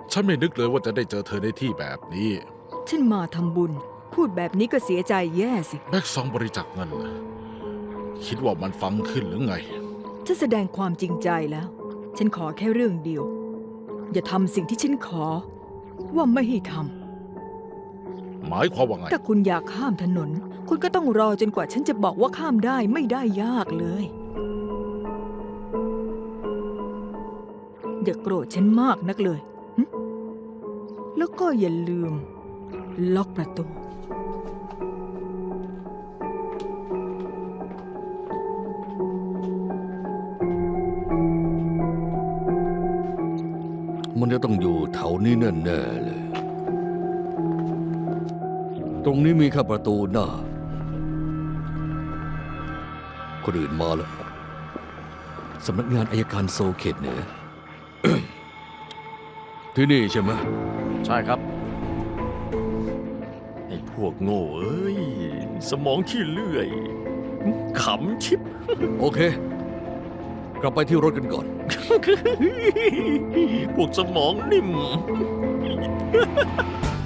ฉันไม่นึกเลยว่าจะได้เจอเธอในที่แบบนี้ฉันมาทำบุญ พูดแบบนี้ก็เสียใจแย่สิแบ็กซองบริจาคเงินเหรอคิดว่ามันฟังขึ้นหรือไงฉันแสดงความจริงใจแล้ว ฉันขอแค่เรื่องเดียว อย่าทำสิ่งที่ฉันขอ ว่าไม่ให้ทหมายความว่าไงำถ้าคุณอยากข้ามถนน คุณก็ต้องรอจนกว่าฉันจะบอกว่าข้ามได้ไม่ได้ยากเลย อย่าโกรธฉันมากนักเลยหึแล้วก็อย่าลืม ล็อกประตูมันจะต้องอยู่แถวนี้แน่ๆเลย ตรงนี้มีแค่ประตูหน้า คนอื่นมาแล้ว สำนักงานอัยการโซเขตเหนือ ที่นี่ใช่ไหมใช่ครับไอ้พวกโง่เอ้ย สมองขี้เลื่อย ขำชิบโอเค กลับไปที่รถกันก่อนพวกสมองนิ่ม